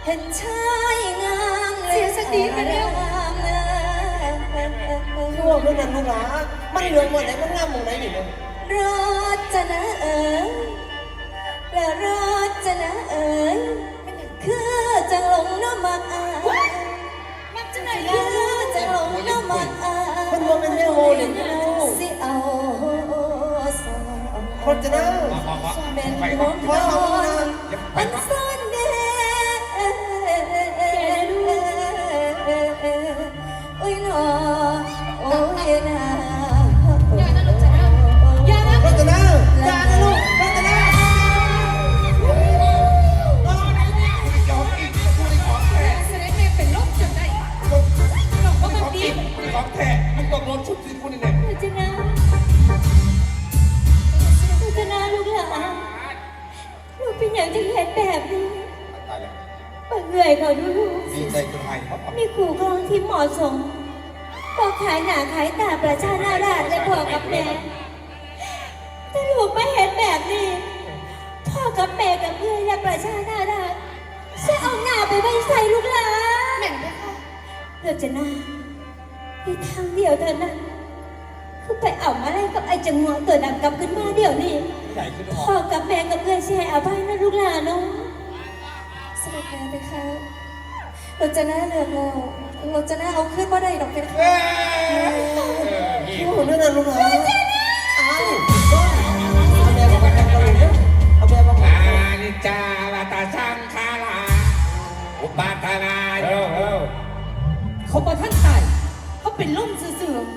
เห็นชายงามเสียสติกันแล้วคือว่าเพื่อนนั้นลูกหลามันเหลืองหมดไหนมันงามหมดไหนนี่เนี่ยรถจะนะและรถจะนะคือจะหลงน้ำมันมักจะไหนคือจะหลงน้ำมันมันว่าเป็นแม่โมเลยสิเอาคนจะนั่งเป็นคนนอนอันซ่อนเด่โอ้ยหนอโอ้ยนาอย่านะลูกจ๋าอย่านะรถจะนั่งอย่านะลูกรถจะนั่งเสด็จแม่เป็นลมจนได้หลงว่ามันดีของแท้มึงต้องโดนชุดที่คนนี้เนี่ยจะนะจะนะลูกหลานลูกเป็นอย่างที่เห็นแบบนี้ตายแล้วเหนื่อยเขาดูลูกดีใจจนหายครับมีขู่ครองที่เหมาะสมบอกขายหนาขายตาประชานาราชและพ่อกับแม่แต่ลูกไม่เห็นแบบนี้พ่อกับแม่กับเพื่อนและประชานาราชจะเอาหน้าไปไว้ใส่ลูกหลานแม่ไหมคะเราจะน่ามีทางเดียวเท่านั้นคือไปเอามาไล่กับไอ้จังหวะตัวดำกลับขึ้นมาเดี๋ยวนี้พ่อกับแม่กับเพื่อนแชร์เอาไปนะลูกหลานเนาะสวัสดีไปค่ะเราจะน่าเลือกเราจะน่าเอาขึ้นมาได้ดอกเป็นค่ะโอ้เรื่องนั้นลูกหลาเอาแบบมาทำกันเลยเอาแบบมาอานิจจาวัตสังขาราอุปาทานาเขาบอกท่านตายเขาเป็นล่มเสื่อม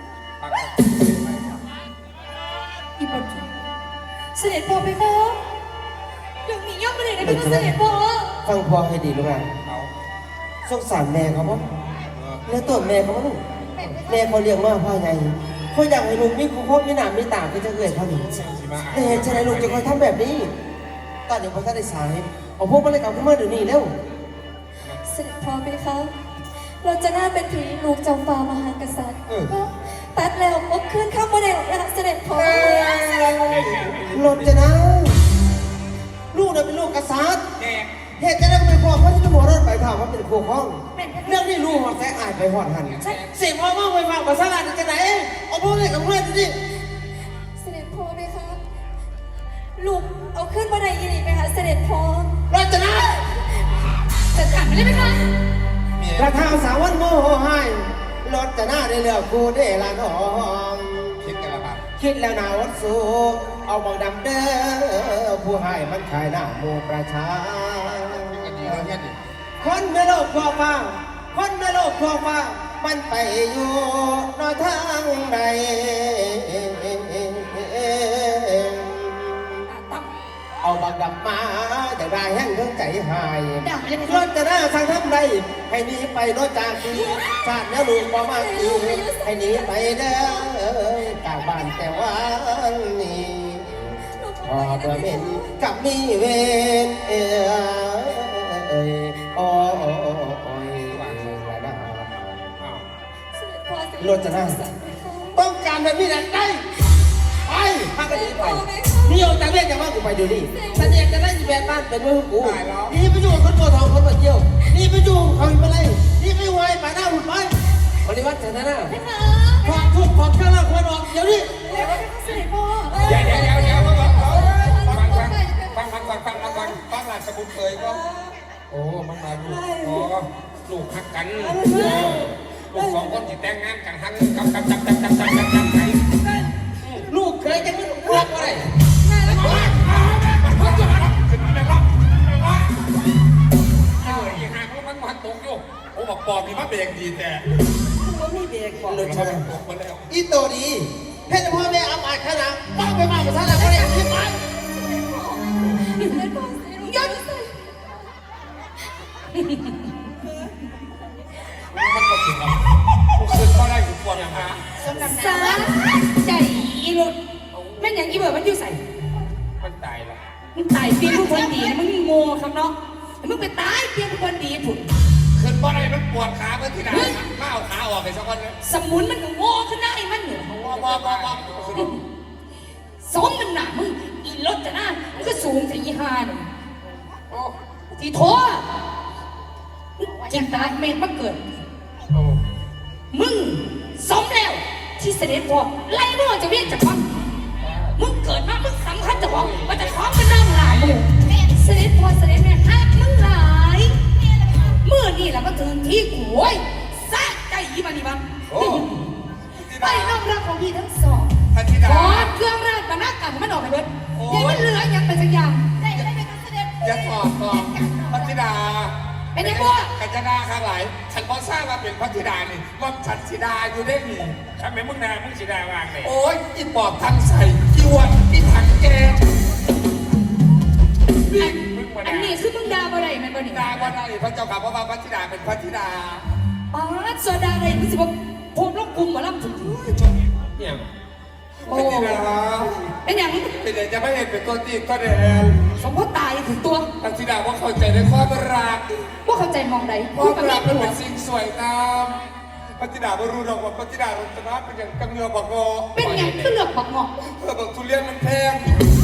อีบันเสด็จพ่อไปพ่อยังมีย่อมไม่ได้ได้เป็นเสด็จพ่อฟังพ่อให้ดีลูกหลานสงสารแม่เขาบ้างแล้วตัวแม่เขาบ้างแม่เขาเลี้ยงมาพ่อไงเขาอยากให้ลุงมีคุณพ่อมีหนามมีตาที่จะเกิดเขาหนิแต่เหตุไฉนลุงจะคอยทำแบบนี้ตอนเดี๋ยวเขาจะได้สายเอาพวกมันเลยกลับขึ้นมาเดี๋ยวนี้เร็วเสด็จพ่อไปคะเราจะน่าเป็นผีลูกจอมฟ้ามหากษัตริย์ตัดแล้วก็ขึ้นข้ามมาได้หรอกนะคะเสด็จพ่อรถจะนะลูกน่ะเป็นลูกกษัตริย์เหตุจะได้เป็นพ่อเพราะที่ต้องหัวรถไปถามว่าเป็นครูข้องเรื่องนี้ลูกหัวแสอายไปหอดหันเสียพ่อมากไปฟังภาษาลาจะไหนเอาพวกนี้กับเพื่อนดิเสด็จพ่อไหมคะลูกเอาขึ้นมาได้ยินไหมคะเสด็จพ่อรถจะนะจะขับไม่ได้ไหมคะกระทำสาววันโมโหให้รถจะหน้าได้เลือกกูได้ละน้องคิดกันแล้วครับคิดแล้วนาวัดสูเอาบังดำเด้อผู้ให้มันขายหน้าโมประชาคนไม่โลภทั่วฟ้าคนไม่โลภทั่วฟ้ามันไปอยู่นอกทางใดเอาบังดำมาจะได้แห้งเครื่องใจหายรถจะหน้าทางทำไรให้หนีไปรถจากที่ชาติแล้วลูกบ่มาตีให้หนีไปเด้อกลางบ้านแต่ว่านี่พอเบื่อเม็นกับมีเวนโอ้ยรถจะหน้าต้องการแบบนี้แหละได้ไปพากันหนีไปนี่เอาจากเรียกจากว่ากูไปดูนี่ฉันอยากจะได้ยีแบบบ้านเป็นมือกูนี่ไปอยู่คนโบทองคนมาเที่ยวนี่ไปอยู่เขาอยู่อะไรนี่ไม่ไหวป่าหน้าหุ่นไปบริวัติเสนาหน้าถอดทุกถอดเครื่องรางควรออกเดี๋ยวนี้เดี๋ยวฟังหลานสมุนเคยก็โอ้มันมาลูกฮักกันลูกสองคนที่แต่งงานกันฮักกับลูกเคยจะไม่รักอะไรมันตกอยู่โอ้บอกปอบมีมาเบรกดีแต่ไม่เบรกเลยใช่ไหมตกมาแล้วอีโตดีเพชรพ่อแม่อับอายขนาดบ้าไปมากภาษาอะไรก็ได้ที่ไปย้อนมันก็ถึงแล้วกูคืนก็ได้กูปวดอย่างฮะสาใจอีรุดแม่นอย่างอีเบิร์ดมันอยู่ใส่มันตายแล้วมึงตายเพียงผู้คนดีมึงโง่ครับเนาะมึงไปตายเพียงผู้คนดีผุดคืนก็ได้มันปวดขาเมื่อที่ไหนมาเอาขาออกไปสักคนเลยสมุนมันโง่ขึ้นได้มันเหนือสมมันหนามึงอีรถจะหน้ามึงก็สูงแต่ยี่ห้าหนึ่งที่โถจินตาเมฆมาเกิดโอ้มึงสมแล้วที่เสด็จพ่อไล่มึงออกจากเวียนจากวังมึงเกิดมามึงสำคัญจากวังว่าจะคล้องเป็นน้ำหลายมึงเสด็จพ่อเสด็จแม่ฮักมึงหลายเมื่อนี่แหละมาถึงที่กูโว้ยซะใจยีมันนี่มันโอ้ไปน้องรักของพี่ทั้งสองพัทิดาขอเครื่องราชบรรณาการมันออกไปเบิดอย่ามันเหลืออย่างเป็นสักอย่างได้ได้เป็นเสด็จอย่าถอดก่อนพัทิดาเป็นยังไงกัญจนาข้างหลายฉันพอทราบว่าเป็นพัทิดานี่ว่าฉันธิดาอยู่ได้ดีทำไมมึงนามึงสีดาวางเลยโอ้ยอีปอบทั้งใส่อีวันอีถังแกอันนี้คือมึงดาบ่ได้แม่นบ่นี่ดาวันอะไรพระเจ้าข่าเพราะว่าพัทิดาเป็นพัทิดาอ๋อโซดาอะไรมึงสิบ่โพมลงกลุ่มหมอลำถึงเนี่ยโอ้พัทิดาเป็นอย่างนี้เป็นอย่างจะไม่เห็นเป็นตัวจริงก็แดนสมมติตายถึงตัวพัทิดาว่าเข้าใจในความรักว่าเข้าใจมองใดความรักมันเป็เป็นสิ่งสวยงามพัทิดาไม่รู้หรอกว่าพัทิดาลัตนาเป็นอย่างกังเงือบอกงอเป็นอย่างขึ้นเลือกบักเงาะบอกทุเรียนมันแพง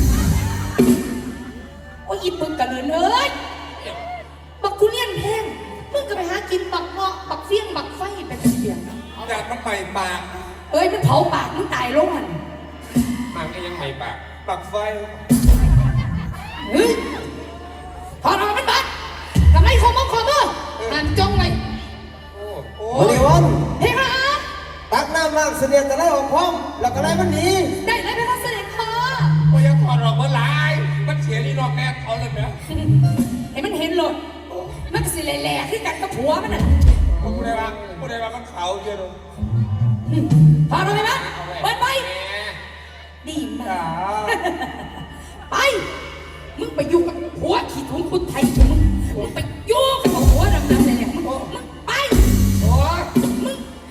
โอ้ยอีปึกกระเลือนเอ้ยบักทุเรียนแพงมึงก็ไปหากินบักเงาะบักเฟี้ยงบักไฟเป็นเสียงแดดมันใหม่ปากเอ้ยมันเผาปากมึงตายลงหันมันก็ยังไม่ปากปากไฟเฮ้ยถอดออกมันบัดทำไมคอมองคอมอหันจงไว้โอ้โหบริวันเฮ้ยฮะตักน้ำล้างเสนียดแต่ไล่ออกพร้อมแล้วก็ไล่มันหนีได้เลยไหมคะเสด็จพ่อโอ้ยถอดออกเมื่อไรมันเสียนี่นอกแม่เขาเลยไหมให้มันเห็นหลดมันสิแหล่ๆขึ้นกันกับผัวมันน่ะผู้ใดว่ามันเขาเยอะเลยพอรู้ไหมมั้ยเปิดไปแหมดีมาจ๋ากไป มึงไปอยู่กับผัวขี้ถุงคุณไทยมึงไปอยู่กับผัวดำๆเนี่ยมึงไปโอ้ยมึงไป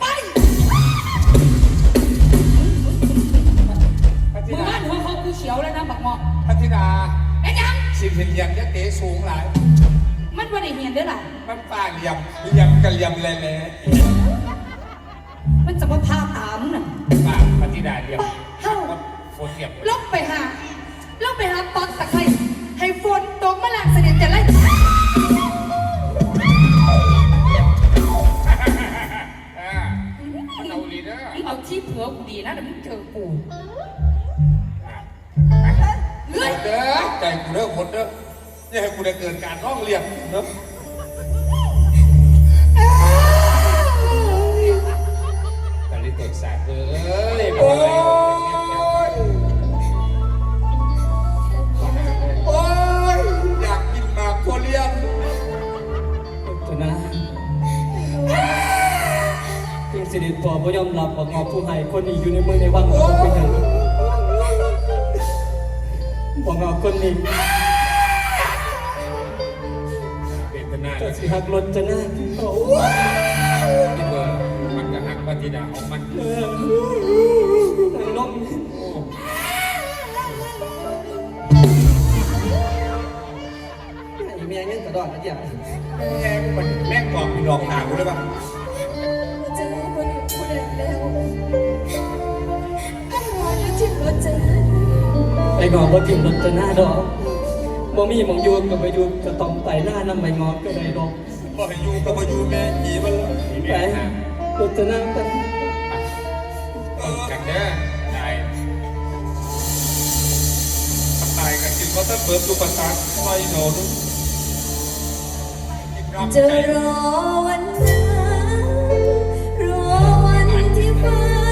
พัทิมึงดาบ้านหัวเขาคือเขียวแล้วนะบักหมอกพัทิดาไอ้ยังสิเหียมยักษ์เต๋สูงหลายมันว่าได้เห็นได้อล่ะมันป่าเหลี่ยมกันเหลี่ยมแหล่มันจะมาพาตามน่ะปากปฏิดาเดียวเฮ้าโฟนเทียบลงไปหาปอกตะไคร้ให้ฝนตกมาหลังเสด็จจะไล่มันเอาลีเดอร์มึงเอาที่เผื่อกูดีนะเดี๋ยวมึงเจอกูๆเฮ้ยเด้อใจกูเด้อคนเด้ออย่าให้กูได้เกิดการร้องเรียนเนาะตอนนี้เตะสายเอ้ยโอ้ยโอ้ยอยากกินหมากทุเรียนเถอะนะเพียงเสด็จพ่อบ่ยอมรับว่างอผู้ให้คนนี้อยู่ในเมืองในวังของเป็นอย่างบ่งอคนนี้เป็นพนาก็สิหักรถจะหน้าโอ้ที่เบอร์มันก็หักปฏิดาของมันนางลงไอ้เมียยังกระดอนกระเดียบแม่งมันแม่งกรอบมีดอกหนากูเลยป่ะจะรู้คนอยู่ผู้ใดแล้วถ้าหาแล้วที่รถจะไอ้งอบ่ทิ่มรถจะหน้าดอกบ่มีหมองอยู่ก็ไปอยู่ก็ต้องไปหน้านำไปงอก็ได้ดอกบ่ให้อยู่ก็บ่อยู่แม่หีมันเลยไปรถจะหน้าไปกันเด้อได้ตายกันกินก็ต้องเปิดลูกประสาทไฟโดนจะรอวันนั้นรอวันที่ฟ้า